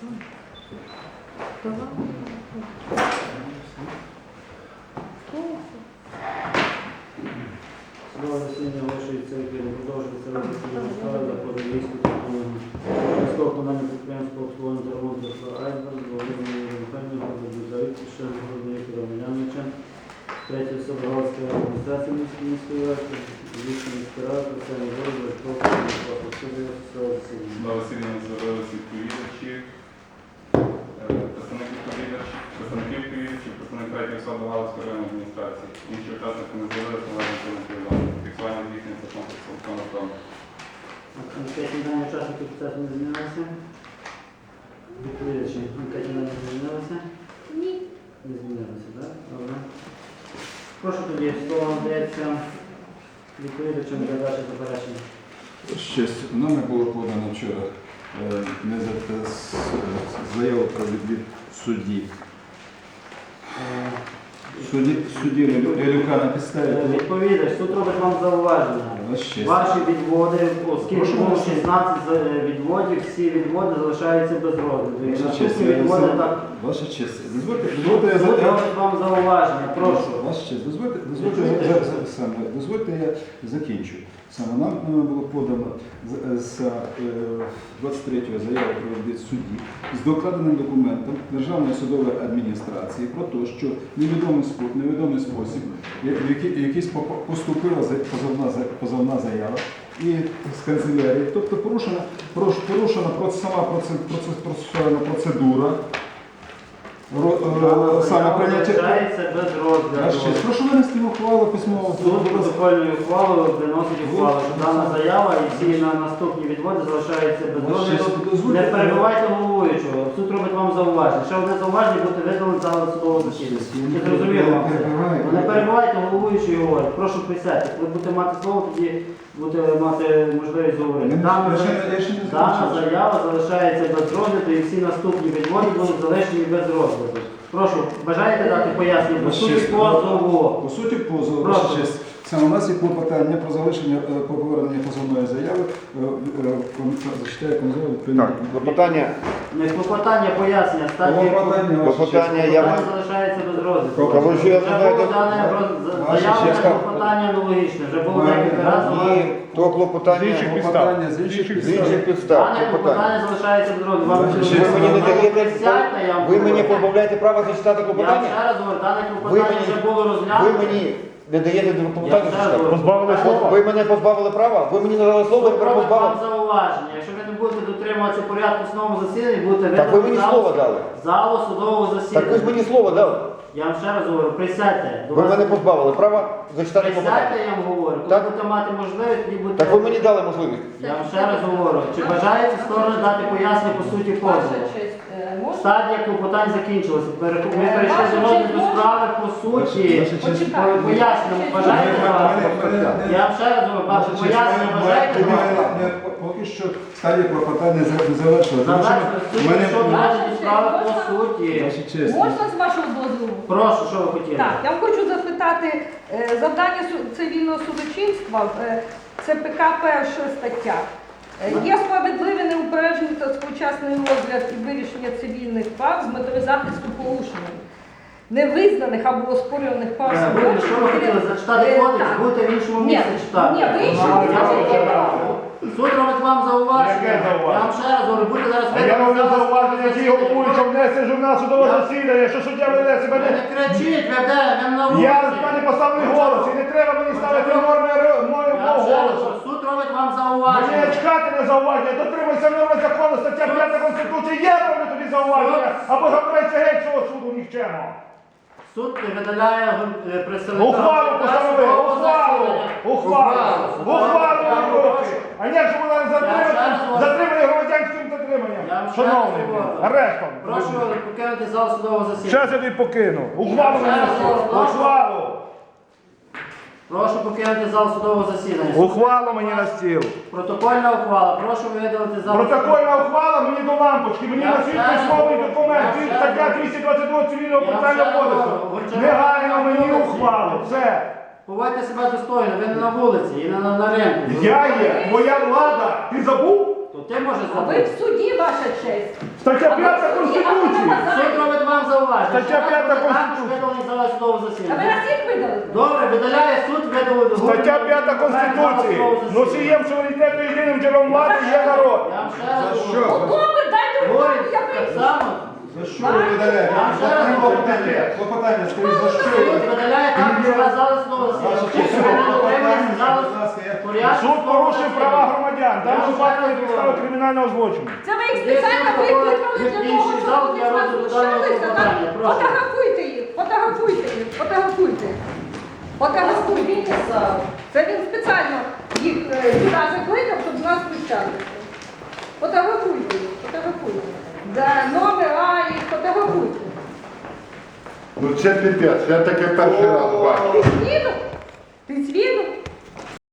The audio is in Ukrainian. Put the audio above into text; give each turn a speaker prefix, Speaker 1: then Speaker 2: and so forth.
Speaker 1: Судове засідання вашої церкви продовжується розгляд справи за подивійську військового комунального підприємства обслуговування та ремонту Айсберг, Володимира Михайлівна, Завітіша, Володимира Миляновича, третя особа Галицької адміністрації міської ради, Львівської міської ради, Арсеній Володимир, судове засідання.
Speaker 2: На засідання з'явилися відповідачі, представники відповідачів, представник третьої особи Галицької районної адміністрації. Інші учасники не з'явилися, належить до відповідальності. Фіксування здійснюється комплексом автоматом.
Speaker 1: Анкетні дані учасників процесу не змінилися? Відповідачі, анкетні дані не змінилися?
Speaker 3: Ні.
Speaker 1: Не змінилися, так? Добре. Прошу тоді, слово надається відповідачам для ваших заперечень.
Speaker 4: Щось нами було подано вчора заяву про відвід судді. Судді Релюка на підставі.
Speaker 1: Відповідач, суд робить вам зауваження. Ваші відводи, оскільки було 16 відводів, всі відводи залишаються без розгляду.
Speaker 4: Ваша честь,
Speaker 1: Суд робить вам зауваження, прошу.
Speaker 4: Ваша честь, дозвольте, я закінчу. Саме нам було подано з 23-го заяву про відвід судді з докладеним документом Державної судової адміністрації про те, що невідомий спосіб, в якийсь поступила позовна заява і з канцелярії, тобто порушена сама процесуальна процедура, саме прийняття.
Speaker 1: Без розгляду.
Speaker 4: Прошу винести ухвалу письмово.
Speaker 1: Суд протокольною ухвалою виносить ухвалу, що дана заява і всі наступні відводи залишаються без розгляду. Не перебивайте головуючого. Суд робить вам зауваження. Ще одне зауваження буде видалено з залу судового засідання. Чи зрозуміло вам це? Не перебивайте головуючого і говорить. Прошу присядьте. Ви будете мати слово, тоді будете мати можливість говорити. Дана заява залишається без розгляду і всі наступні відводи будуть залишені без розгляду. Прошу, бажаєте дати пояснення по суті позову?
Speaker 4: По суті позову, ваша честь. Саме у нас є клопотання про залишення, по повернення позовної заяви. Зачитаю конзоль відповідно.
Speaker 5: Так, клопотання.
Speaker 1: Не клопотання, пояснення.
Speaker 5: Клопотання я
Speaker 1: залишається без розгляду.
Speaker 5: Ваша честь.
Speaker 1: Клопотання аналогічне. Вже було декілька разів.
Speaker 5: І то клопотання
Speaker 4: З інших
Speaker 5: з інших підстав.
Speaker 1: Дане клопотання залишається без розгляду.
Speaker 5: Ви мені не даєте, ви мені позбавляєте права зачитати
Speaker 1: Я
Speaker 5: клопотання?
Speaker 1: ще раз говорю, дане клопотання вже було
Speaker 5: Ви
Speaker 1: розглянуто.
Speaker 5: мені не даєте клопотання зачитати?
Speaker 1: Позбавили слова?
Speaker 5: Ви мене позбавили права? Ви мені надали слово, я
Speaker 1: Робить
Speaker 5: позбавив.
Speaker 1: вам зауваження. Якщо ви не будете дотримуватися порядку в основному засіданні, будете
Speaker 5: Так ви мені слово дали.
Speaker 1: залу судового засідання.
Speaker 5: Так ви ж мені слово дали.
Speaker 1: Я вам ще раз говорю, присядьте.
Speaker 5: Ви мене позбавили права зачитати
Speaker 1: Присядьте,
Speaker 5: клопотання.
Speaker 1: я вам говорю. Коли
Speaker 5: Так.
Speaker 1: будете мати можливість, тоді будете...
Speaker 5: Так ви мені дали можливість.
Speaker 1: Я вам ще раз говорю. Чи бажаєте сторони дати пояснення по суті позову? Стадія клопотань закінчилася. Ми перейшли до розгляду справи по суті. Пояснення бажаєте давати? Я вам ще раз говорю, пояснення бажаєте давати?
Speaker 4: Поки що стадія клопотання не завершила.
Speaker 1: Що доводить справи по суті?
Speaker 3: Можна з вашого дозволу?
Speaker 1: Прошу, що ви хотіли?
Speaker 3: Так, я хочу запитати, завдання цивільного судочинства, це ПК перша стаття. Є справедливий, неупереджений та своєчасний розгляд і вирішення цивільних прав з метою захисту порушення невизнаних або оспорюваних прав.
Speaker 1: Що ви хотіли? Зачитати кодекс, будете в іншому місці читати.
Speaker 3: Ні, в іншому місці.
Speaker 1: Суд робить вам зауваження. Я вам ще раз говорю, будете зараз
Speaker 6: Я роблю зауваження, які головуючим внесе журнал судового засідання, що суддя веде себе
Speaker 1: не кричіть, веде, він на вулиці.
Speaker 6: Я з мене поставлений голос, і не треба мені ставити норми мого
Speaker 1: Я вам ще раз
Speaker 6: голосу.
Speaker 1: говорю, суд робить вам
Speaker 6: Мені
Speaker 1: зауваження.
Speaker 6: чекати не зауваження, дотримуйся норми закону, стаття 5 Конституції, я роблю тобі зауваження, або забирайся геть цього суду нікчемо.
Speaker 1: Суд видаляє представника.
Speaker 6: Ухвалу постанови, ухвалу руки. А як же вона затримані громадянським затриманням? Шановний, арештом.
Speaker 1: Прошу покинути зал судового засідання.
Speaker 6: Щас я тобі покину. Ухвалу мені на ухвалу.
Speaker 1: Прошу покинути зал судового засідання.
Speaker 6: Ухвалу мені на стіл.
Speaker 1: Протокольна ухвала. Прошу видалити зал.
Speaker 6: Протокольна ухвала мені до лампочки. Мені на світ письмовий документ. Стаття 222 цивільного процесуального кодексу. Негайно мені ухвалу. Все.
Speaker 1: Поводьте себе достойно. Ви не на вулиці і не на ринку.
Speaker 6: Я є. Моя влада. Ти забув?
Speaker 1: То Ти можеш
Speaker 3: А ви
Speaker 1: зробити.
Speaker 3: в суді, ваша честь.
Speaker 6: Стаття
Speaker 3: А ви
Speaker 6: 5
Speaker 3: в суді,
Speaker 6: Конституції.
Speaker 3: а ви на
Speaker 1: Суд
Speaker 3: базарі.
Speaker 1: робить вам зауваження.
Speaker 6: Стаття
Speaker 1: Що
Speaker 6: 5
Speaker 1: вас також
Speaker 6: Конституції.
Speaker 1: видалений зала судового
Speaker 3: А ви
Speaker 1: засідання.
Speaker 3: нас їх видали?
Speaker 1: Добре, видаляє суд, видалив.
Speaker 6: Стаття 5 Конституції. Носієм суверенітету єдиним джерелом влади є народ.
Speaker 1: Я вам ще раз
Speaker 5: За
Speaker 1: говорю.
Speaker 5: що?
Speaker 3: Ну, добре, дайте
Speaker 1: Говорить
Speaker 3: руку, я
Speaker 1: так
Speaker 3: вийду.
Speaker 1: само.
Speaker 5: За що ви видаляєте?
Speaker 1: Я ще раз
Speaker 5: Клопотання, клопотання, скажіть, за що ви?
Speaker 1: Суд видаляє також вас зала судового засідання. Якщо ви не дотримуєтеся зала порядку
Speaker 6: Суд
Speaker 1: судового
Speaker 6: порушив
Speaker 1: засідання.
Speaker 6: права громадян.
Speaker 1: Я
Speaker 6: Там
Speaker 1: вам
Speaker 6: випадкові
Speaker 1: ще раз
Speaker 6: підстави
Speaker 1: говорю.
Speaker 6: кримінального злочину.
Speaker 3: Це ви їх спеціально викликали для того, щоб
Speaker 1: Інший зал
Speaker 3: вони
Speaker 1: для
Speaker 3: з нас
Speaker 1: розгляду даного
Speaker 3: знущалися.
Speaker 1: клопотання.
Speaker 3: так?
Speaker 1: Прошу.
Speaker 3: Фотографуйте їх, фотографуйте їх, фотографуйте. Фотографуйте. Це він спеціально їх сюди закликав, щоб з нас знущалися. Фотографуйте їх, фотографуйте. Да, номера їх фотографуйте.
Speaker 7: Ну це піпець, я таке перший раз бачу.